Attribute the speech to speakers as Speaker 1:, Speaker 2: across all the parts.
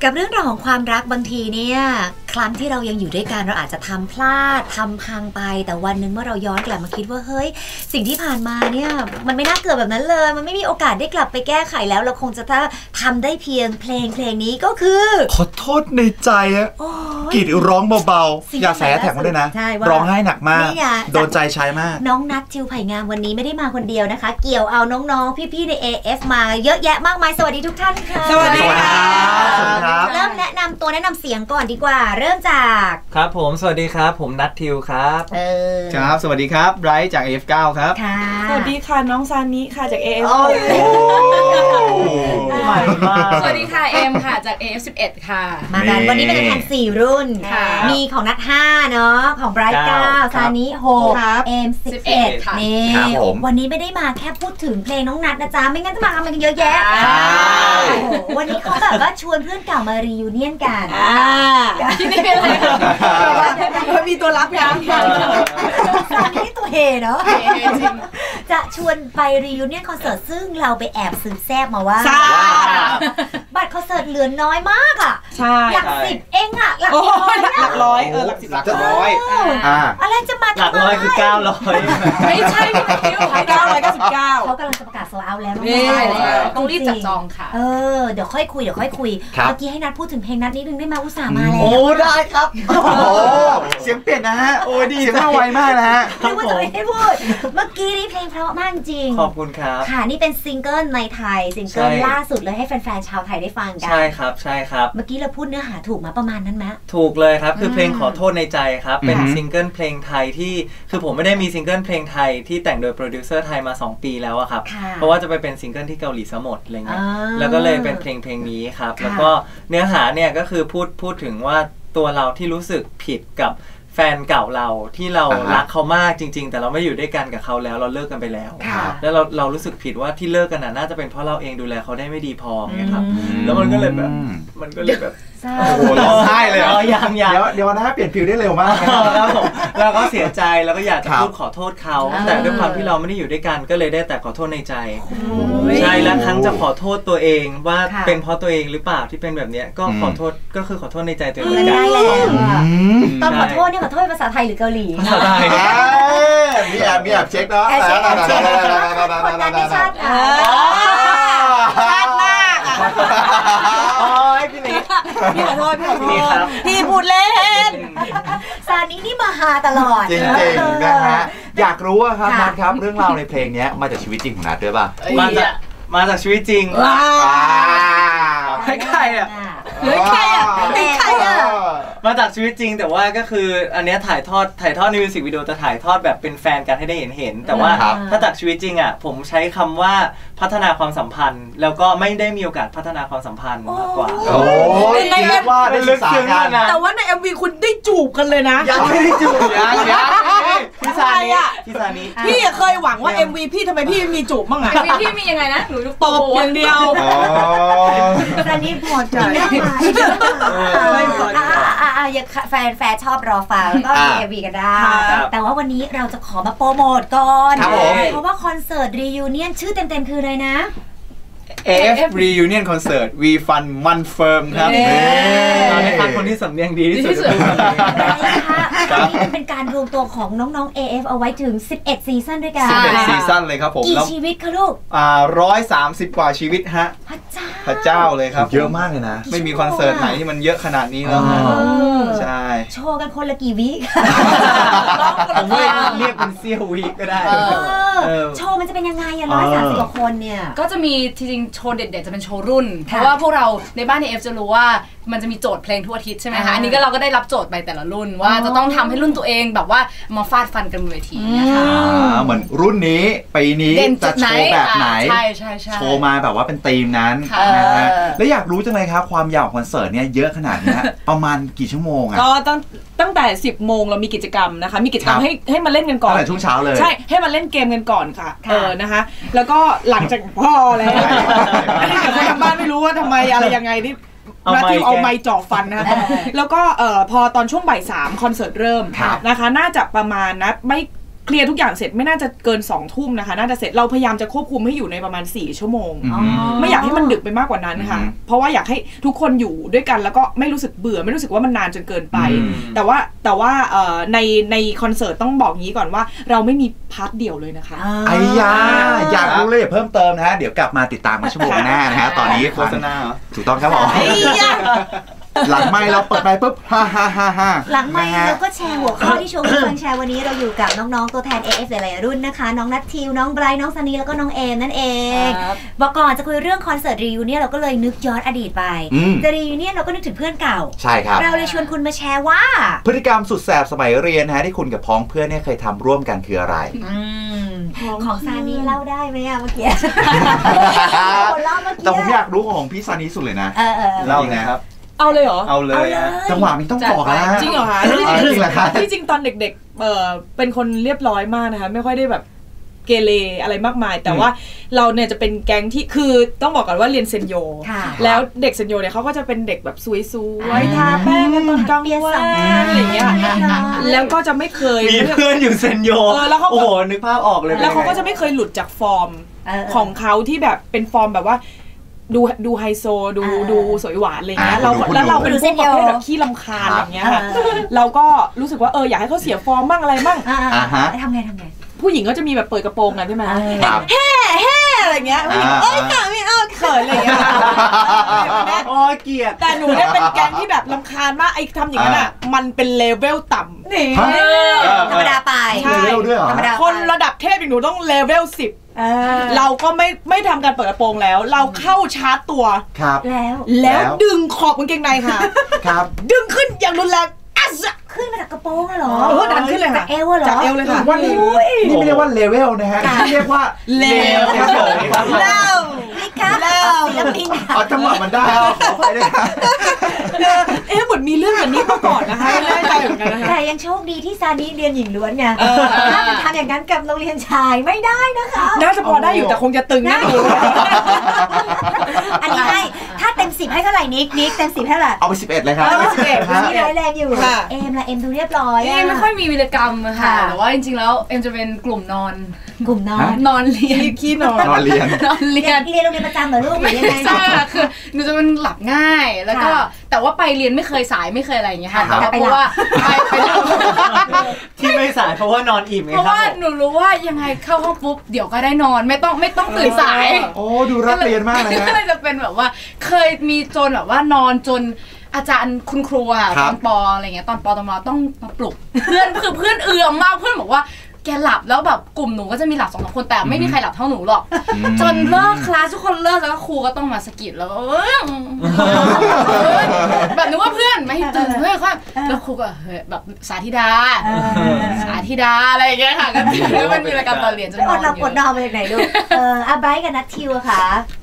Speaker 1: กับเรื่องราวของความรักบางทีเนี่ยครั้งที่เรายังอยู่ด้วยกันเราอาจจะทำพลาดทำพังไปแต่วันหนึ่งเมื่อเราย้อนกลับมาคิดว่าเฮ้ยสิ่งที่ผ่านมาเนี่ยมันไม่น่าเกิดแบบนั้นเลยมันไม่มีโอกาสได้กลับไปแก้ไขแล้วเราคงจะทำได้เพียงเพลงนี้ก็คือ
Speaker 2: ขอโทษในใจอะกรีดร้องเบาๆอย่าแสแท็กมาด้วยนะร้องไห้หนักมากโดนใจชายมาก
Speaker 1: น้องนัททิวไผ่งามวันนี้ไม่ได้มาคนเดียวนะคะเกี่ยวเอาน้องๆพี่ๆใน AF มาเยอะแยะมากมายสวัสดีทุกท่านค่ะ
Speaker 3: สวัสดีครับ
Speaker 1: เริ่มแนะนำตัวแนะนำเสียงก่อนดีกว่าเริ่มจาก
Speaker 4: ครับผมสวัสดีครับผมนัททิวครับ
Speaker 2: ครับสวัสดีครับไบรท์จาก AF9 ครับ
Speaker 3: สวัสดีค่ะน้องซานิค่ะจาก AF
Speaker 4: ใหม่มาก
Speaker 5: สวัสดีค่ะเอ็มค่ะจาก AF11 ค่ะ
Speaker 1: มากันวันนี้เป็นกัน4รุ่นมีของนัท5เนาะของไบรท์9ซานิ6เอ็ม11นี่วันนี้ไม่ได้มาแค่พูดถึงเพลงน้องนัทนะจ๊ะไม่งั้นจะมาทำอะไรกันเยอะแยะวันนี้เขาแบบว่าชวนเพื่อนเก่ามารียูเนียนกัน
Speaker 5: ที่นี่เป็นอะไร
Speaker 3: มีตัวรับยัง
Speaker 1: ซานิตัวเฮเนาะจะชวนไปรียูเนียนคอนเสิร์ตซึ่งเราไปแอบซื้อแซบมาว่าบัตรคอนเสิร์ตเหลือน้อยมากอ่ะหลัก10เองอ่ะหลัก
Speaker 3: ร้อยหลัก10หลักร้อย
Speaker 1: อะไรจะมา
Speaker 4: หลักร้อยคือ900
Speaker 5: ไม่ใช่พี่
Speaker 3: 999
Speaker 1: เขากำลังจะประกาศโซลเอาท์แล้ว
Speaker 5: ต้องรีบจับจองค่ะ
Speaker 1: เดี๋ยวค่อยคุยเมื่อกี้ให้นัดพูดถึงเพลงนัดนิดนึงได้ไหมอุตส่าห์มาแล้ว
Speaker 2: โอ้ได้ครับโอ้เสียงเปลี่ยนนะฮะโอ้ดีเสียงมาไวมากนะฮะ
Speaker 1: ไม่ว่าจะไม่ได้พูดเมื่อกี้นี้เพลงเพราะมากจริง
Speaker 4: ขอบคุณครับ
Speaker 1: ค่ะนี่เป็นซิงเกิลในไทยซิงเกิลล่าสุดเลยให้แฟนๆชาวไทยได้ฟังกัน
Speaker 4: ใช่ครับ
Speaker 1: เมื่อกี้เราพูดเนื้อหาถูกมาประมาณนั้นไหม
Speaker 4: ถูกเลยครับคือเพลงขอโทษในใจครับเป็นซิงเกิลเพลงไทยที่คือผมไม่ได้มีซิงเกิลเพลงไทยที่แต่งโดยโปรดิวเซอร์ไทยมา2ปีแล้วอะครับเพราะว่าจะไปเป็นซิงเกิลที่เกาหลีซะหมดอะไรเงี้ยแล้วก็เลยเป็นเพลงนี้ครับแล้วก็เนื้อหาเนี่ยก็คือพูดถึงว่าตัวเราที่รู้สึกผิดกับแฟนเก่าเราที่เรารักเขามากจริงๆแต่เราไม่อยู่ด้วยกันกับเขาแล้วเราเลิกกันไปแล้วแล้วเรารู้สึกผิดว่าที่เลิกกันน่าจะเป็นเพราะเราเองดูแลเขาได้ไม่ดีพอไงครับแล้วมันก็เลยแบบ
Speaker 2: โอ้โหร้องไห้เลย
Speaker 4: ยัง
Speaker 2: เดี๋ยวนะเปลี่ยนฟิลได้เร็วมาก
Speaker 4: ครับผมเราก็เสียใจแล้วก็อยากจะพูดขอโทษเขาแต่ด้วยความที่เราไม่ได้อยู่ด้วยกันก็เลยได้แต่ขอโทษในใจใช่แล้วครั้งจะขอโทษตัวเองว่าเป็นเพราะตัวเองหรือเปล่าที่เป็นแบบนี้ก็ขอโทษก็คือขอโทษในใจตัวเอง
Speaker 1: ได้แล้วตอนขอโทษเนี่ยขอโทษภาษาไทยหรือเกาหลี
Speaker 4: ภาษาไทย
Speaker 2: มีแอบเช็คเนาะ
Speaker 1: คนนั้นไม่ชัด
Speaker 3: ชัดมากพี่ขอโทษพี่พูดเล่น
Speaker 1: ซานินี่มาหาตลอด
Speaker 2: จริงๆนะฮะอยากรู้ครับนัทครับเรื่องราวในเพลงนี้มาจากชีวิตจริงของนัทด้วยป่ะ
Speaker 4: มาจากชีวิตจริงใครอ่ะมาจากชีวิตจริงแต่ว่าก็คืออันนี้ถ่ายทอดในมิวสิกวิดีโอจะถ่ายทอดแบบเป็นแฟนกันให้ได้เห็นแต่ว่าถ้าจากชีวิตจริงอ่ะผมใช้คำว่าพัฒนาความสัมพันธ์แล้วก็ไม่ได้มีโอกาสพัฒนาความสัมพันธ์มากกว่า
Speaker 2: ในเรียกว่าได้ศึกษากัน
Speaker 3: แต่ว่าใน MV คุณได้จูบกันเลยนะ
Speaker 2: ยังไม่ได้จูบยัง
Speaker 4: พี่ซานิ
Speaker 3: พี่เคยหวังว่า MV พี่ทำไมพี่มีจูบบ้างอ่ะ
Speaker 5: MV พี่มียังไงนะหนู
Speaker 3: ตบอย่างเดียว
Speaker 1: ซานิพอใจแฟนชอบรอฟังก็มี MV กันได้แต่ว่าวันนี้เราจะขอมาโปรโมทก่อนเพราะว่าคอนเสิร์ตรียูเนียนชื่อเต็มๆคืออะไรนะ
Speaker 2: AF Reunion Concert We Fun Man Firm ครับ
Speaker 4: เราได้คัดคนที่สำเนียงดีที่สุด
Speaker 1: นี่เป็นการรวมตัวของน้องๆ AF เอาไว้ถึง11ซีซั่นด้วยกัน
Speaker 2: 11ซีซั่นเลยครับผม
Speaker 1: กี่ชีวิตคะลูก
Speaker 2: 130 กว่าชีวิตฮะพระเจ้าเลยครับเยอะมากเลยนะไม่มีคอนเสิร์ตไหนที่มันเยอะขนาดนี้แล้วใช่
Speaker 1: โชว์กันคนละกี่วิ
Speaker 4: ผมเรียกเป็นเซี่ยววิก็ได้
Speaker 1: โชว์มันจะเป็นยังไง130 กว่าคนเนี่ย
Speaker 5: ก็จะมีจริงๆโชว์เด็ดๆจะเป็นโชว์รุ่นเพราะว่าพวกเราในบ้านใน AF จะรู้ว่ามันจะมีโจทย์เพลงทั่วอาทิตย์ใช่ไหมคะอันนี้ก็เราก็ได้รับโจทย์ไปแต่ละรุ่นว่าจะต้องทำให้รุ่นตัวเองแบบว่ามาฟาดฟันกันบนเวทีนะคะ
Speaker 2: เหมือนรุ่นนี้ปีนี้จะโชว์แบบไหน
Speaker 5: ใช่
Speaker 2: โชว์มาแบบว่าเป็นธีมนั้นนะฮะแล้วอยากรู้จังเลยครับความยาวของคอนเสิร์ตเนี่ยเยอะขนาดนี้ประมาณกี่ชั่วโมงอ่ะ
Speaker 3: ก็ตั้งแต่10 โมงเรามีกิจกรรมนะคะมีกิจกรรมให้มาเล่นกันก่อน
Speaker 2: ตั้งแต่ช่วงเช้าเลย
Speaker 3: ใช่ให้มาเล่นเกมกันก่อนค่ะนะคะแล้วก็หลังจากพ่อแล้วอันนี้เดี๋ยวคนทางบ้านไม่รู้ว่าทำไมอะไรยังไงนี่นัททิวเอาไม้จ่อฟันนะคะแล้วก็พอตอนช่วงบ่าย 3คอนเสิร์ตเริ่มนะคะน่าจะประมาณนัดไม่เคลียร์ทุกอย่างเสร็จไม่น่าจะเกิน2 ทุ่มนะคะน่าจะเสร็จเราพยายามจะควบคุมให้อยู่ในประมาณ4 ชั่วโมงไม่อยากให้มันดึกไปมากกว่านั้นค่ะเพราะว่าอยากให้ทุกคนอยู่ด้วยกันแล้วก็ไม่รู้สึกเบื่อไม่รู้สึกว่ามันนานจนเกินไปแต่ว่าในคอนเสิร์ตต้องบอกงี้ก่อนว่าเราไม่มีพาร์ทเดี่ยวเลยนะคะ
Speaker 6: ไอ้ยาอยากรู้เลยเพิ่มเติมนะฮะเดี๋ยวกลับมาติดตามกันชั่วโมงหน้านะฮะตอนนี้
Speaker 2: โฆษณา
Speaker 6: ถูกต้องครับผมหลังไมค์เราเปิดไปปุ๊บฮ่า
Speaker 1: หลังไมค์เราก็แชร์หัวข้อที่ชมฟังแชร์วันนี้เราอยู่กับน้องๆตัวแทน AF หลายๆรุ่นนะคะน้องนัททิวน้องไบรท์น้องซันนี่แล้วก็น้องเอมนั่นเองบอกก่อนจะคุยเรื่องคอนเสิร์ตรีวิวเนี่ยเราก็เลยนึกย้อนอดีตไปแต่รีวิวเนี่ยเราก็นึกถึงเพื่อนเก่า
Speaker 6: ใช่ครับ
Speaker 1: เราเลยชวนคุณมาแชร์ว่า
Speaker 6: พฤติกรรมสุดแสบสมัยเรียนนะฮะที่คุณกับพ้องเพื่อนเนี่ยเคยทำร่วมกันคืออะไร
Speaker 1: ของซานี่เล่าได้ไหมอะเมื่อกี้
Speaker 6: แต่ผมอยากรู้ของพี่ซานี่สุดเลยนะ
Speaker 2: เล่าไงครับ
Speaker 3: เอาเลยเหรอ
Speaker 2: เอาเลย
Speaker 6: จังหวะนี้ต้องบอกนะ
Speaker 3: จริงเหรอคะ
Speaker 6: จริงเหรอคะ
Speaker 3: ที่จริงตอนเด็กๆเป็นคนเรียบร้อยมากนะคะไม่ค่อยได้แบบเกเรอะไรมากมายแต่ว่าเราเนี่ยจะเป็นแก๊งที่คือต้องบอกก่อนว่าเรียนเซนโยแล้วเด็กเซนโยเนี่ยเขาก็จะเป็นเด็กแบบสวยๆทาแป้งกันตอนกลางวันอะไรอย่างเงี้ยแล้วก็จะไม่เคย
Speaker 4: มีเพื่อนอยู่เซนโยโอ้โหนึกภาพออกเลย
Speaker 3: แล้วเขาก็จะไม่เคยหลุดจากฟอร์มของเขาที่แบบเป็นฟอร์มแบบว่าดูไฮโซดูสวยหวานอะไรเงี้ยแล้วเราเป็นพวกประเภทแบบขี้รำคาญอะไรเงี้ยค่ะเราก็รู้สึกว่าอยากให้เขาเสียฟอร์มบ้างอะไรบ้าง
Speaker 1: ทำไง
Speaker 3: ผู้หญิงก็จะมีแบบเปิดกระโปรงกันใช่ไหมแฮ่อะไรเงี้ยไม่เอาเขินอะไรเงี้ย
Speaker 4: โอ้เกลียด
Speaker 3: แต่หนูเนี่ยเป็นแก๊งที่แบบรำคาญมากไอ้ทำอย่างนั้นอ่ะมันเป็นเลเวลต่ำ
Speaker 1: นี่ธรรมดาไป
Speaker 6: เลเวลด้วยเหรอ
Speaker 3: คนระดับเทพอย่างหนูต้องเลเวล10เราก็ไม่ทำการเปิดกระโปรงแล้วเราเข้าชาร์จตัว
Speaker 6: ครับ
Speaker 3: แล้วดึงขอบกางเกงในค่ะ
Speaker 6: ครับ
Speaker 3: ดึงขึ้นอย่างรุนแรง
Speaker 1: ขึ้นมาจากกระโปรงเหรอ
Speaker 3: ดันขึ้นเลยค่ะ
Speaker 1: จากเอวเหรอ
Speaker 3: จากเอวเลยค่ะ
Speaker 6: ว่านี่ไม่เรียกว่าเลเวลนะฮะนี่เรียกว่า
Speaker 3: เลวครับ
Speaker 1: นี่ครับศิลปิน
Speaker 6: จังหวะมันได้ขอไปด้วยค่ะ
Speaker 3: เหมือนมีเรื่องแบบนี้มาก่อนนะคะไม่ได้ใจเหมือนกันนะคะ
Speaker 1: แต่ยังโชคดีที่ซานี่เรียนหญิงล้วนไงถ้ามันทำอย่างนั้นกับโรงเรียนชายไม่ได้นะคะ
Speaker 3: น่าจะพอได้อยู่แต่คงจะตึงนะ
Speaker 1: อันนี้ให้ถ้าเต็ม10ให้เท่าไหร่นิกเต็ม10ให้เท่าไหร่
Speaker 6: เอาไป11เลยครับ
Speaker 1: นี่ร้อยแรงอยู่เอมดูเรียบร้อย
Speaker 5: ไม่ค่อยมีวีรกรรมค่ะแต่ว่าจริงๆแล้วเอ็มจะเป็นกลุ่มนอนเรียน
Speaker 3: ขี้นอน
Speaker 6: เรียน
Speaker 1: โรงเรียนประจำเหรอลูกหรือยังไง
Speaker 5: ใช่ค่ะคือหนูจะเป็นหลับง่ายแล้วก็แต่ว่าไปเรียนไม่เคยสายไม่เคยอะไรอย่างเงี้ยค่ะเพราะว่าไป
Speaker 4: ที่ไม่สายเพราะว่านอนอิ่มไง
Speaker 5: เพราะว่าหนูรู้ว่ายังไงเข้าห้องปุ๊บเดี๋ยวก็ได้นอนไม่ต้องตื่นสาย
Speaker 6: โอ้ดูรักเรียนมากเลยนะ
Speaker 5: ก็เลยจะเป็นแบบว่าเคยมีจนแบบว่านอนจนอาจารย์คุณครูอะตอนป.อะไรเงี้ยตอนป.ตอนมาต้องมาปลุกเพื่อนเอือมมากเพื่อนบอกว่าแกหลับแล้วแบบกลุ่มหนูก็จะมีหลับ2 คนแต่ไม่มีใครหลับเท่าหนูหรอกจนเลิกคลาสทุกคนเลิกแล้วครูก็ต้องมาสะกิดแล้วแบบนึกว่าเพื่อนไม่ตื่นเพื่อนแล้วครูก็แบบสาธิดาอะไรอย่างเงี้ยค่ะก็มันมีรายการตอนเรียนจน
Speaker 1: อดหลับอดนอนมาจากไหนลูกไบร์ทกับนัททิวค่ะ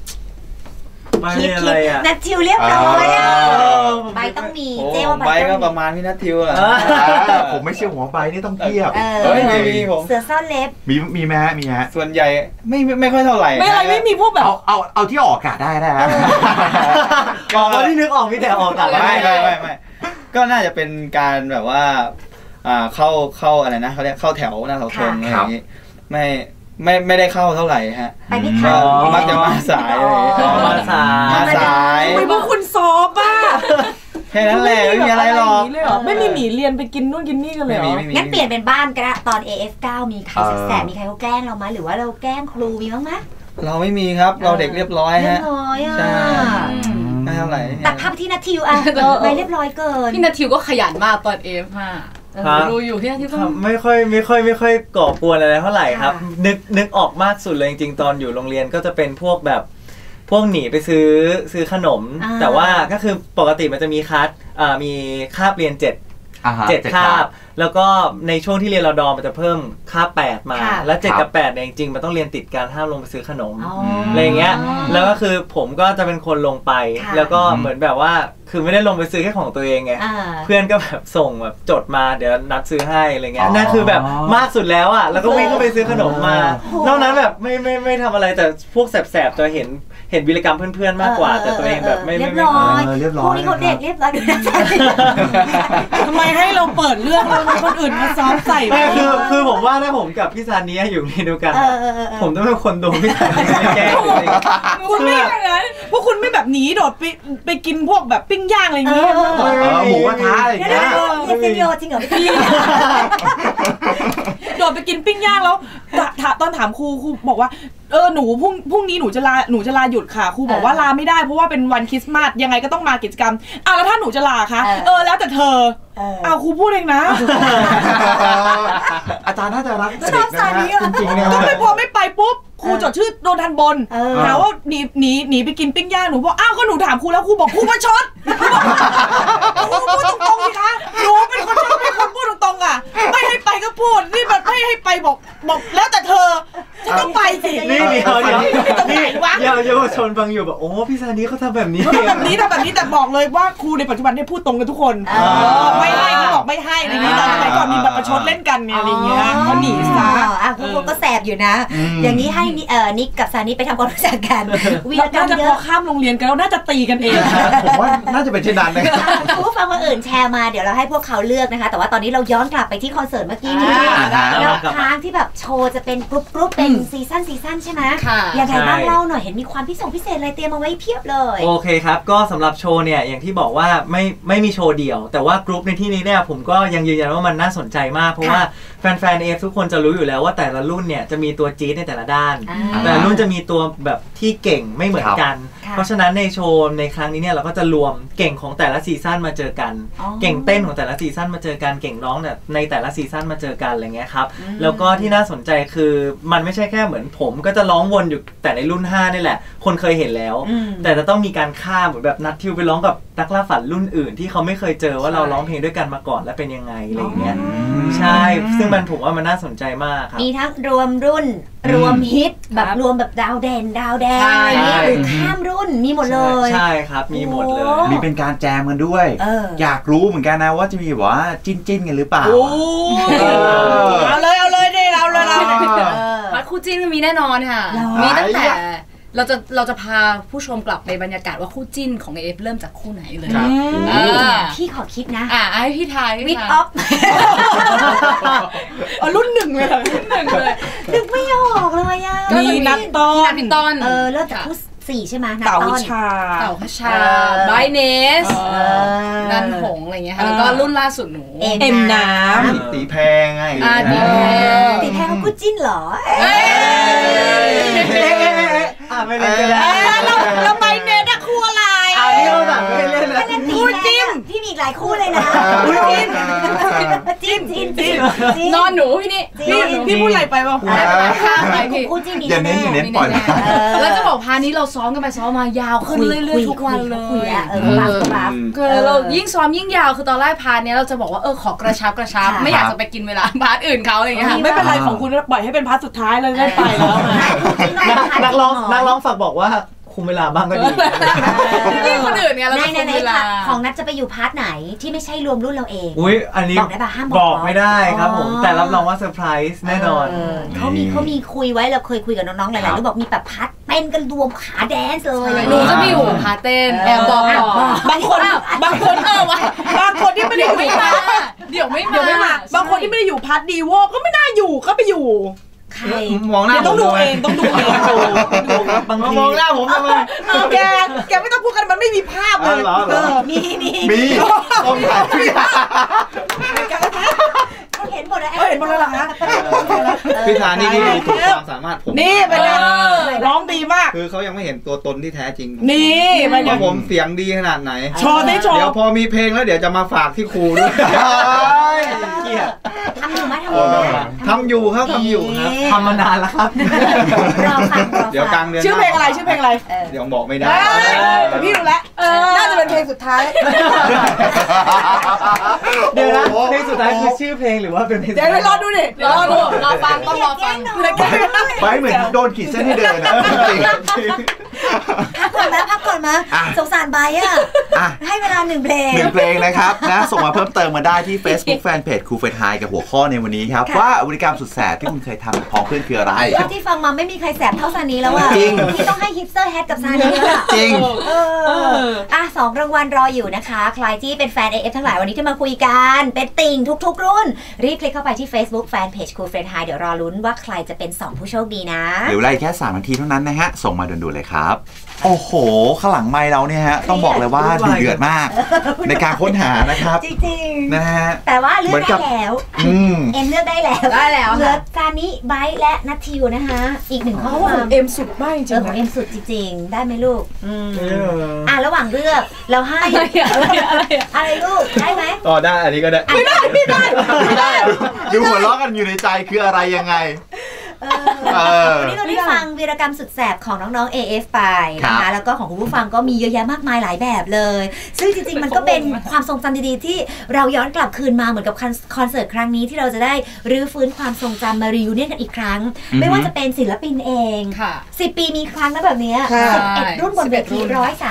Speaker 4: อะไรอ่ะ
Speaker 1: นัททิวเรียบร้อยใบต้องมีเจ้า
Speaker 2: ใบก็ประมาณพี่นัททิวแหละ
Speaker 6: ผมไม่เชื่อหัวใบนี่ต้องเทียบ
Speaker 2: ไม่มีผม
Speaker 1: เสือซ่อนเล็บ
Speaker 6: มีไหมมีฮะ
Speaker 2: ส่วนใหญ่ไม่ค่อยเท่าไหร่
Speaker 3: ไม่มีพวกแบบ
Speaker 6: เอาที่ออกอากาศได้นะ
Speaker 4: ก็ที่นึกออกมีแต่ออกอากาศ
Speaker 2: ไม่ก็น่าจะเป็นการแบบว่าเข้าอะไรนะเขาเรียกเข้าแถวหน้าเสาธงอะไรอย่างนี้ไม่ได้เข้าเท่าไหร่ฮะ
Speaker 1: ไปไม่ทัน
Speaker 2: มักจะมาสายมาสาย
Speaker 3: ไม่พวกคุณซอฟอ่ะ
Speaker 2: แค่นั้นแหละไม่มีอะไรหรอก
Speaker 3: ไม่มีหนีเรียนไปกินนู่นกินนี่กันเลยเหรอ
Speaker 1: งั้นเปลี่ยนเป็นบ้านก็ได้ตอน AF9 มีใครแสบมีใครเขาแกล้งเราไหมหรือว่าเราแกล้งครูมีบ้างไหม
Speaker 2: เราไม่มีครับเราเด็กเรียบร้อยฮะใช่ไม่เท่าไหร่
Speaker 1: ตัดภาพที่นัททิวไม่เรียบร้อยเกิน
Speaker 5: พี่นัททิวก็ขยันมากตอน AF5ดูอยู่ที่นั่นที่ต้อง
Speaker 4: ไม่ค่อยก่อกวนอะไรเท่าไหร่ครับนึกออกมากสุดเลยจริงๆตอนอยู่โรงเรียนก็จะเป็นพวกแบบพวกหนีไปซื้อขนมแต่ว่าก็คือปกติมันจะมีมีคาบเรียน7คาบแล้วก็ในช่วงที่เรียนรดมันจะเพิ่มคาบ8มาแล้ว7กับ8เนี่ยจริงๆมันต้องเรียนติดกันห้ามลงไปซื้อขนมอะไรอย่างเงี้ยแล้วก็คือผมก็จะเป็นคนลงไปแล้วก็เหมือนแบบว่าคือไม่ได้ลงไปซื้อแค่ของตัวเองไงเพื่อนก็แบบส่งแบบจดมาเดี๋ยวนัดซื้อให้อะไรเงี้ยนั่นคือแบบมากสุดแล้วอ่ะแล้วก็วิ่งเข้าไปซื้อขนมมานอกนั้นแบบไม่ทำอะไรแต่พวกแสบๆจะเห็นวีรกรรมเพื่อนๆมากกว่าแต่ตัวเองแบบไม่
Speaker 1: เรียบร้อยพวกนี้เขาเด็กเรียบร้อยดูนะ
Speaker 3: ทำไมให้เราเปิดเรื่องแล้วคนอื่นมาซ้อมใส่
Speaker 4: คือผมว่าถ้าผมกับพี่ซานีอยู่ในเดียวกันผมต้องเป็นคนโดนพี่ซานีแกล้ง
Speaker 3: คุณไม่อย่างนั้นพวกคุณไม่แบบหนีโดดไปกินพวกแบบปิ้งย่างอะไรอย่างเงี้ย
Speaker 6: หมูกระทะอะไรอย่างเงี้ย
Speaker 1: เรียกจริงเหรอพี่
Speaker 3: โดดไปกินปิ้งย่างแล้วตอนถามครูบอกว่าหนูพรุ่งนี้หนูจะลาหยุดค่ะครูบอกว่าลาไม่ได้เพราะว่าเป็นวันคริสต์มาสยังไงก็ต้องมากิจกรรมแล้วถ้าหนูจะลาคะแล้วแต่เธอครูพูดเองนะ
Speaker 6: อาจารย์น่าจะรักเด็กนะจริงๆเนี่ย
Speaker 3: ก็ไม่พอไม่ไปปุ๊บครูจดชื่อโดนทันบนหาว่าหนีไปกินปิ้งย่างหนูบอกก็หนูถามครูแล้วครูบอกครูมาชดครูพูดตรงๆสิคะหนูเป็นคนชอบเป็นคนพูดตรงๆอ่ะไม่ให้ไปก็พูดนี่แบบไม่ให้ไปบอกแล้วแต่เธอจะต้องไปสิ
Speaker 4: นี่เดี๋ยวเยาวชนฟังอยู่แบบโอ้พี่ซานีเขาทำแบบนี้
Speaker 3: ทำแบบนี้แต่บอกเลยว่าครูในปัจจุบันได้พูดตรงกันทุกคนไม่ให้เขาบอกไม่ให้อะไรอย่างนี้แต่สมัยก่อนมีแบบประชดเล่นกันไงอะไรเงี้ยเขาหนีซะ
Speaker 1: ครูก็แสบอยู่นะอย่างนี้ให้นิกกับซานีไปทำความรู้จักกัน
Speaker 3: วีรกรรมเยอะพอข้ามโรงเรียนกันแล้วน่าจะตีกันเอง
Speaker 6: ผมว่าน่าจะเป็นเช่นนั้นนะ
Speaker 1: ผู้ฟังคนอื่นแชร์มาเดี๋ยวเราให้พวกเขาเลือกนะคะแต่ว่าตอนนี้เราย้อนกลับไปที่คอนเสิร์ตเมื่อกี้นี้แล้วค้างที่แบบโชว์จะเป็นกรุ๊ปเป็นซีซั่นใช่ไหมยังไงบ้างเล่าหน่อยเห็นมีความพิเศษอะไรเตรียมมาไว้เพียบเลย
Speaker 4: โอเคครับก็สำหรับโชว์เนี่ยอย่างที่บอกว่าไม่มีโชว์เดี่ยวแต่ว่ากรุ๊ปในที่นี้เนี่ยผมก็ยังยืนยันว่ามันน่าสนใจมากเพราะว่าแฟนๆทุกคนจะรู้อยู่แล้วว่าแต่ละรุ่นเนี่ยจะมีตัวจี๊ดในแต่ละด้านแต่รุ่นจะมีตัวแบบที่เก่งไม่เหมือนกันเพราะฉะนั้นในโชว์ในครั้งนี้เนี่ยเราก็จะรวมเก่งของแต่ละซีซั่นมาเจอกันเก่งเต้นของแต่ละซีซั่นมาเจอกันเก่งร้องเนี่ยในแต่ละซีซั่นมาเจอกันอะไรเงี้ยครับแล้วก็ที่น่าสนใจคือมันไม่ใช่แค่เหมือนผมก็จะร้องวนอยู่แต่ในรุ่น5นี่แหละคนเคยเห็นแล้วแต่จะต้องมีการข้ามเหมือนแบบนัดทิวไปร้องกับนักล่าฝันรุ่นอื่นที่เขาไม่เคยเจอว่าเราร้องเพลงด้วยกันมาก่อนและเป็นยังไงอะไรเงี้ยใช่ซึ่งมันผมว่ามันน่าสนใจมากครับ
Speaker 1: มีทั้งรวมรุ่นรวมฮิตแบบรวมแบบดาวแดงหรือข้ามรุ่นมีหมดเลย
Speaker 4: ใช่ครับมีหมดเลย
Speaker 6: มีเป็นการแจมกันด้วยอยากรู้เหมือนกันนะว่าจะมีแบบว่าจิ้นกันหรือเปล่า
Speaker 3: เอาเลยเอาเลย
Speaker 5: คู่จิ้นมีแน่นอนค่ะมีตั้งแต่เราจะพาผู้ชมกลับไปบรรยากาศว่าคู่จิ้นของเอฟเริ่มจากคู่ไหนเลย
Speaker 1: พี่ขอคิดนะ
Speaker 5: ให้พี่ทาย
Speaker 1: วิดออฟ
Speaker 3: รุ่นหนึ่งเลย
Speaker 1: นึกไม่ออกเลยอ่ะ
Speaker 3: มีนัดต้
Speaker 5: น
Speaker 1: เริ่มจากคู่4ใช่ไหม
Speaker 3: เต่าขช
Speaker 5: าไบเนสนันหงอะไรเงี้ยค่ะแล้วก็รุ่นล่าสุดหนู
Speaker 3: เอ็มน้
Speaker 2: ำตีแพงไง
Speaker 1: ตีแพงเขาคู่จิ้นเหรอ
Speaker 4: ไม่เล่นกันแล้ว
Speaker 3: แล้วไบเนสอะคู่อะไร
Speaker 4: นี่เราแบบไม่เล่นแล้ว
Speaker 1: คู่จิ้มพี่มีหลายคู่เลยนะคู่จิ้ม
Speaker 5: นอนหนู
Speaker 3: พี่พูดอะไรไปบ้าง
Speaker 1: คู่จิ้ม
Speaker 6: อย่าเน้นปล่อย
Speaker 5: แล้วจะบอกพานี้เราซ้อมกันไปซ้อมมายาวขึ้นเรื่อยๆทุกวันเลยเรายิ่งซ้อมยิ่งยาวคือตอนแรกพานี้เราจะบอกว่าขอกระชับไม่อยากจะไปกินเวลาพาร์ทอื่นเขาอะไรอย่างเงี้ย
Speaker 3: ไม่เป็นไรของคุณปล่อยให้เป็นพาร์ทสุดท้ายเลยได้ไปแล้ว
Speaker 4: นักร้องฝากบอกว่าคุมเวลาบ้างก็ดี
Speaker 5: นี่คนอื่นไงเรา
Speaker 1: คุมเวลาของนัทจะไปอยู่พาร์ทไหนที่ไม่ใช่รวมรุ่นเราเอง
Speaker 4: อันนี้
Speaker 1: บอกได้ป่ะห้าม
Speaker 4: บอกไม่ได้ครับผมแต่รับรองว่าเซอร์ไพรส์แน่นอน
Speaker 1: เขามีคุยไว้เราเคยคุยกับน้องๆหลายๆรุ่นบอกมีแบบพาร์ทเต้นกันรวมขาแดนซ์เลย
Speaker 5: หนูจะมีอยู่พาร์ทเต้นแอบบอก
Speaker 3: บางคนบางคนที่ไม่ได้อยู่
Speaker 5: เดี๋ยวไม่
Speaker 3: มาบางคนที่ไม่ได้อยู่พาร์ทดีโวก็ไม่น่าอยู่ก็ไปอยู่
Speaker 2: มองหน้า
Speaker 3: ต้องดูเอง
Speaker 2: บางทีมองหน้าผมทำไม
Speaker 3: แกไม่ต้องพูดกันมันไม่มีภาพเลย
Speaker 1: มี
Speaker 6: ต้องถ่าย
Speaker 1: เห็นหมดแล้ว
Speaker 3: เหรอคะ
Speaker 2: พี่ธานี่ถูกความสามารถผม
Speaker 3: นี่เป็นไงร้องดีมาก
Speaker 2: คือเขายังไม่เห็นตัวตนที่แท้จริง
Speaker 3: นี่
Speaker 2: ว่าผมเสียงดีขนาดไหน
Speaker 3: โชว์ได้โชว์
Speaker 2: เดี๋ยวพอมีเพลงแล้วเดี๋ยวจะมาฝากที่ครูด้วย
Speaker 1: ทำอยู่ไหม
Speaker 2: ทำอยู่ครับ
Speaker 4: ทำมานานแล้วครับ
Speaker 1: รอฟัง
Speaker 2: เดี๋ยวกลางเดือน
Speaker 3: ชื่อเพลงอะไร
Speaker 2: เดี๋ยวบอกไม่ได้
Speaker 3: แต่พี่รู้แล้วน่าจะเป็นเพลงสุดท้าย
Speaker 4: เดี๋ยวนะเพลงสุดท้ายคือชื่อเพลงหรือว่าเป็นเพลง
Speaker 3: เดี๋ยวรอดูดิ
Speaker 5: รอฟังต้องรอฟัง
Speaker 6: ไปเหมือนโดนขีดเส้นให้เดินนะ
Speaker 1: พักก่อนมาสงสารใบอ่ะให้เวลา1 เพลง
Speaker 6: 1 เพลงนะครับนะส่งมาเพิ่มเติมมาได้ที่ Facebook Fanpage ครูเฟทไฮกับหัวข้อในวันนี้ครับว่าบริการสุดแสบที่คุณเคยทำพ้องเพื่อนคืออะไร
Speaker 1: ที่ฟังมาไม่มีใครแสบเท่าซานีแล้วอ่ะที่ต้องให้ฮิปสเตอร์แฮทกับซานีแล้วอ่ะ
Speaker 6: จริง
Speaker 1: 2 รางวัลรออยู่นะคะใครที่เป็นแฟน AF ทั้งหลายวันนี้ที่มาคุยกันเป็นติ่งทุกๆรุ่นรีบคลิกเข้าไปที่ Facebook Fanpage ครูเฟทไฮเดี๋ยวรอลุ้นว่าใครจะเป็น2 ผู้โชคดีนะ
Speaker 6: หรือไล่แค่3 นาทีเท่านั้นนะฮะส่งมาด่วนๆเลยครับโอ้โหข้างหลังไมค์เราเนี่ยฮะต้องบอกเลยว่าดุเดือดมากในการค้นหานะครับ
Speaker 1: จริง
Speaker 6: ๆนะฮะ
Speaker 1: แต่ว่าเลือกได้แล้วเอ็มเลือกได้แล้วเหลือซานิไบร์ทและนัททิวนะคะอีก1 ข้อความ
Speaker 3: เอ็มสุดมากจริง
Speaker 1: ของเอ็มสุดจริงๆได้ไหมลูกระหว่างเลือกเราให้อะไรลูกได้ไหม
Speaker 2: ได้อันนี้ก็ได้
Speaker 1: ไม่ได้
Speaker 6: ดูหัวเราะกันอยู่ในใจคืออะไรยังไง
Speaker 1: วันนี้เราได้ฟังวีรกรรมสุดแสบของน้องๆ AF ไปนะคะแล้วก็ของคุณผู้ฟังก็มีเยอะแยะมากมายหลายแบบเลยซึ่งจริงๆมันก็เป็นความทรงจำดีๆที่เราย้อนกลับคืนมาเหมือนกับคอนเสิร์ตครั้งนี้ที่เราจะได้รื้อฟื้นความทรงจำมารียูเนียนกันอีกครั้งไม่ว่าจะเป็นศิลปินเอง10 ปีมีครั้งนะแบบนี้11 รุ่นบนเวที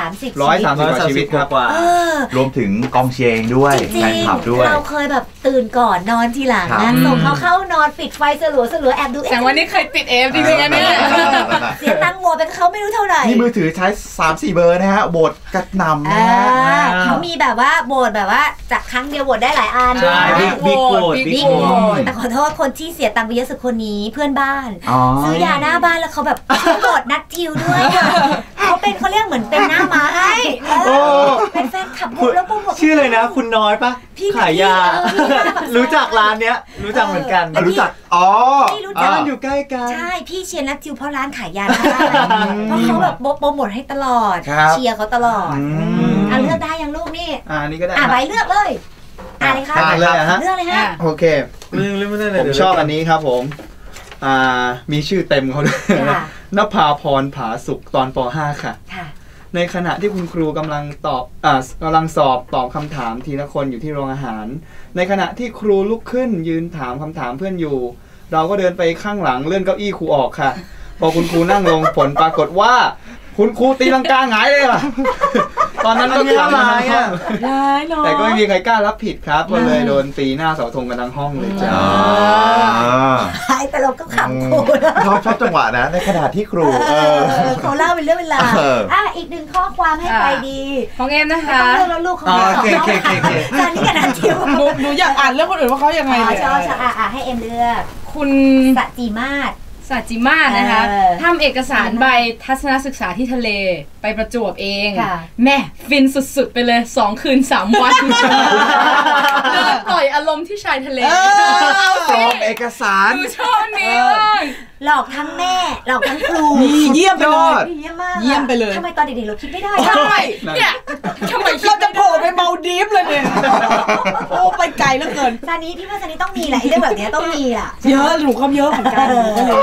Speaker 2: 130ชีวิตกว่
Speaker 6: ารวมถึงกองเชียร์เองด้วยแฟนคลับด้วย
Speaker 1: เราเคยแบบตื่นก่อนนอนทีหลังนะส่งเขาเข้านอนปิดไฟสลัวแอบดู
Speaker 5: แต่วันนี้เคยติดเอฟจริงๆเนี่ย
Speaker 1: เสียตังค์โหวตไปเขาไม่รู้เท่าไหร่
Speaker 6: นี่มือถือใช้ 3-4 เบอร์นะฮะโหวตกระหน่ำนะฮะ
Speaker 1: เขามีแบบว่าโหวตแบบว่าจากครั้งเดียวโหวตได้หลายอัน
Speaker 2: ใช่บิ๊กโหวต
Speaker 1: แต่ขอโทษคนที่เสียตังค์ไปเยอะสุดคนนี้เพื่อนบ้านซื้อยาหน้าบ้านแล้วเขาแบบโหวตนัททิวด้วยเขาเรียกเหมือนเป็นหน้าม้าให้เป็นแฟนคลับแล้วโปรโมท
Speaker 4: ชื่อเลยนะคุณน้อยปะขายยารู้จักร้านเนี้ยรู้จักเหมือนกัน
Speaker 6: รู้จัก
Speaker 1: พี่รู้จัก
Speaker 4: มันอยู่ใกล้กัน
Speaker 1: ใช่พี่เชียร์นัททิวเพราะร้านขายยาเพราะเขาแบบโปรโมทให้ตลอดเชียร์เขาตลอดเลือกได้ยังลูกนี่
Speaker 2: นี่ก็ได้
Speaker 1: ใบเลือกเลยอะไรคะ
Speaker 2: เลือก
Speaker 1: เลยฮะ
Speaker 2: โอเคผมชอบอันนี้ครับผมมีชื่อเต็มเขาด้วยนภาพรผาสุขตอนป.5 ค่ะในขณะที่คุณครูกำลังสอบตอบคำถามทีละคนอยู่ที่โรงอาหารในขณะที่ครูลุกขึ้นยืนถามคำถามเพื่อนอยู่เราก็เดินไปข้างหลังเลื่อนเก้าอี้ครูออกค่ะพอคุณครูนั่งลงผลปรากฏว่าคุณครูตีลังกาหงายเลยค่ะตอนนั้นก็ขำกันทั้งห้องแต่ก็ไม่มีใครกล้ารับผิดครับก็เลยโดนตีหน้าเสาธงกันทั้งห้องเลยจ้า
Speaker 1: แต่เราก็ขำครู
Speaker 6: ชอบจังหวะนะในขณะที่ครู
Speaker 1: เขาเล่าเป็นเรื่องเวลาอีก1 ข้อความให้ไปดี
Speaker 5: ของเอ็มนะคะ
Speaker 1: เรื่องแล้วลูกของตอนนี้กันนันทิว
Speaker 3: หนูอยากอ่านเรื่องคนอื่นว่าเขายังไง
Speaker 1: ชอบให้เอ็มเลือก
Speaker 5: คุณ
Speaker 1: สัจจิมาศ
Speaker 5: นะคะทำเอกสารใบทัศนศึกษาที่ทะเลไปประจวบเองแม่ฟินสุดๆไปเลย2 คืน 3 วันเดินปล่อยอารมณ์ที่ชายทะเล
Speaker 6: สอบเอกสาร
Speaker 5: ดูชอบนี้
Speaker 1: หลอกทั้งแม่หลอกทั้งครู
Speaker 3: เยี่ยมไปเลย
Speaker 1: เยี่ยมมาก
Speaker 3: เลย
Speaker 1: ทำไมตอนเด็กๆเราคิดไม่ได้
Speaker 5: ใช่เนี่ยทำไม
Speaker 3: เราจะโผล่ไปเมาดีฟเลยเนี่ยโอ้ไปไกลเหลือเกิน
Speaker 1: ซานี้พี่ว่าซานี้ต้องมีแหละเรื่องแบบนี้ต้องมีล่ะ
Speaker 3: เยอะหนูก็เยอะเหมือนกัน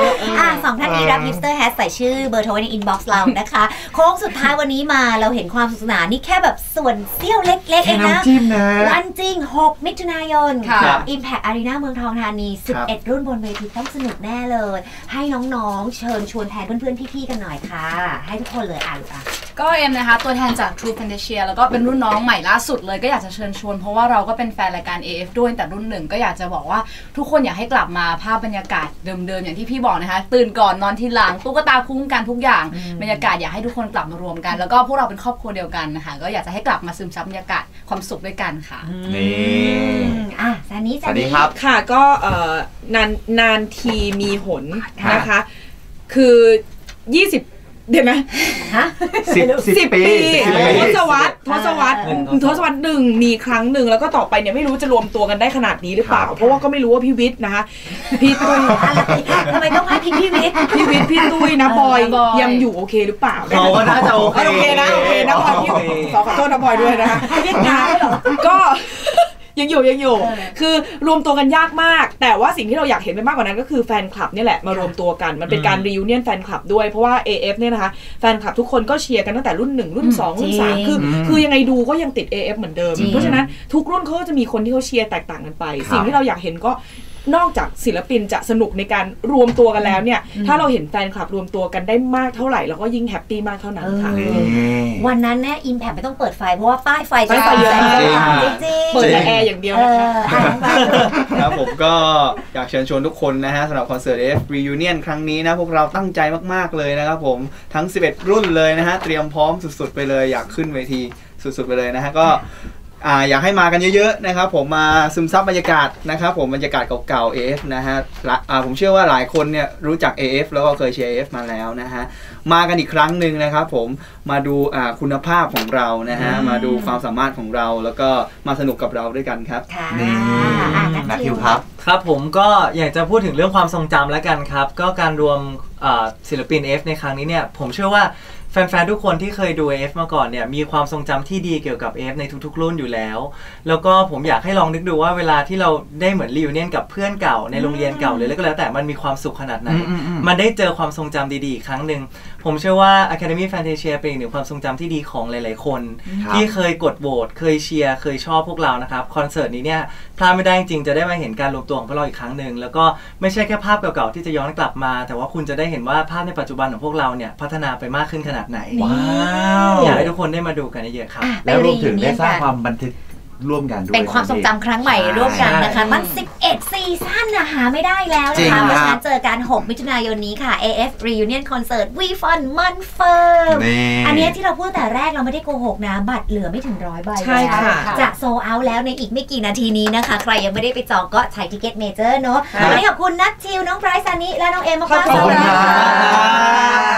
Speaker 1: 2 ท่านนี้รับฮิปสเตอร์แฮชใส่ชื่อเบอร์โทรในอินบ็อกซ์เรานะคะโค้งสุดท้ายวันนี้มาเราเห็นความสนุกสนานนี่แค่แบบส่วนเสี้ยวเล็กๆเองนะวันจริง6 มิถุนายน Impact Arena เมืองทองธานี11 รุ่นบนเวทีต้องสนุกแน่เลยให้น้องๆเชิญชวนแทนเพื่อนๆพี่ๆกันหน่อยค่ะให้ทุกคนเลย
Speaker 5: ก็เอ็มนะคะตัวแทนจาก True Fantasia แล้วก็เป็นรุ่นน้องใหม่ล่าสุดเลยก็อยากจะเชิญชวนเพราะว่าเราก็เป็นแฟนรายการ AF ด้วยแต่รุ่น1ก็อยากจะบอกว่าทุกคนอยากให้กลับมาภาพบรรยากาศเดิมๆอย่างที่พี่บอกนะคะตื่นก่อนนอนทีหลังตุ๊กตาคุ้มกันทุกอย่างบรรยากาศอยากให้ทุกคนกลับมารวมกันแล้วก็พวกเราเป็นครอบครัวเดียวกันนะคะก็อยากจะให้กลับมาซึมซับบรรยากาศความสุขด้วยกันค่ะ
Speaker 6: นี่
Speaker 1: สวัส
Speaker 6: ดีครับ
Speaker 3: ค่ะก็นานทีมีหนนะคะคือ20เดี๋ยวนะ10 ปีทศวรรษ1มีครั้งหนึ่งแล้วก็ต่อไปเนี่ยไม่รู้จะรวมตัวกันได้ขนาดนี้หรือเปล่าเพราะว่าก็ไม่รู้ว่าพี่วิทย์นะคะพี่ตุ้ย
Speaker 1: ทำไมต้องให้พี่วิทย์
Speaker 3: พี่ตุ้ยนะบอยยังอยู่โอเคหรือเปล่า
Speaker 4: เขาก็น่าจะโอเค
Speaker 3: นะบอยพี่ขอโทษนะบอยด้วยนะคะก็ยังอยู่คือรวมตัวกันยากมากแต่ว่าสิ่งที่เราอยากเห็นไปมากกว่านั้นก็คือแฟนคลับนี่แหละมารวมตัวกันมันเป็นการรียูเนียนแฟนคลับด้วยเพราะว่า AF เนี่ยนะคะแฟนคลับทุกคนก็เชียร์กันตั้งแต่รุ่น1รุ่น2รุ่น3คือยังไงดูก็ยังติด AF เหมือนเดิมเพราะฉะนั้นทุกรุ่นเขาจะมีคนที่เขาเชียร์แตกต่างกันไปสิ่งที่เราอยากเห็นก็นอกจากศิลปินจะสนุกในการรวมตัวกันแล้วเนี่ยถ้าเราเห็นแฟนคลับรวมตัวกันได้มากเท่าไหร่เราก็ยิ่งแฮปปี้มากเท่านั้นค่ะ
Speaker 1: วันนั้นเนี่ยอิมแพคไม่ต้องเปิดไฟเพราะว่าป้ายไฟจะ
Speaker 3: เยอะ
Speaker 1: จริง
Speaker 3: เปิดแอร์อย่างเดียวนะคะ
Speaker 2: ครับผมก็อยากเชิญชวนทุกคนนะฮะสำหรับคอนเสิร์ต AF Reunion ครั้งนี้นะพวกเราตั้งใจมากๆเลยนะครับผมทั้ง11รุ่นเลยนะฮะเตรียมพร้อมสุดๆไปเลยอยากขึ้นเวทีสุดๆไปเลยนะฮะก็อยากให้มากันเยอะๆนะครับผมมาซึมซับบรรยากาศนะครับผมบรรยากาศเก่าๆ AF นะฮะผมเชื่อว่าหลายคนเนี่ยรู้จัก AF แล้วก็เคยเชียร์ AF มาแล้วนะฮะมากันอีกครั้งหนึ่งนะครับผมมาดูคุณภาพของเรานะฮะมาดูความสามารถของเราแล้วก็มาสนุกกับเราด้วยกันครับ
Speaker 6: นี่นัททิวครับ
Speaker 4: ครับผมก็อยากจะพูดถึงเรื่องความทรงจำแล้วกันครับก็การรวมศิลปิน AF ในครั้งนี้เนี่ยผมเชื่อว่าแฟนๆทุกคนที่เคยดู AF มาก่อนเนี่ยมีความทรงจำที่ดีเกี่ยวกับ AF ในทุกๆรุ่นอยู่แล้วแล้วก็ผมอยากให้ลองนึกดูว่าเวลาที่เราได้เหมือนรีวิวเนียนกับเพื่อนเก่าในโรงเรียนเก่าเลยแล้วก็แล้วแต่มันมีความสุขขนาดไหนมันได้เจอความทรงจำดีๆอีกครั้งหนึ่งผมเชื่อว่า Academy Fantasia เป็นอีกหนึ่งความทรงจำที่ดีของหลายๆคนที่เคยกดโหวตเคยเชียร์เคยชอบพวกเรานะครับคอนเสิร์ตนี้เนี่ยพลาดไม่ได้จริงจะได้มาเห็นการรวมตัวของพวกเราอีกครั้งหนึ่งแล้วก็ไม่ใช่แค่ภาพเก่าๆที่จะย้อนกลับมาแต่ว่าคุณจะได้เห็นว่าภาพในปัจจุบันของพวกเราเนี่ยพัฒนาไปมากขึ้นขนาดไหนอยากให้ทุกคนได้มาดูกันเยอะๆครับ
Speaker 6: แล้วรวมถึงได้สร้างความบันทึกร่วมกันด้วย
Speaker 1: เป็นความทรงจำครั้งใหม่ร่วมกันนะคะมัน11ซีซั่นหาไม่ได้แล้วนะคะเพราะฉะนั้นเจอกัน6มิถุนายนนี้ค่ะ AF Reunion Concert We Fun มันเฟิร์มอันนี้ที่เราพูดแต่แรกเราไม่ได้โกหกนะบัตรเหลือไม่ถึง100 ใบ
Speaker 3: ใช่ค่ะ
Speaker 1: จะโซลด์เอาท์แล้วในอีกไม่กี่นาทีนี้นะคะใครยังไม่ได้ไปจองก็ใช้ทิเก็ตเมเจอร์เนาะวันนี้ขอบคุณนัททิวน้องไบรท์ซานิและน้องเอมมากๆ
Speaker 6: ขอบคุณค่ะ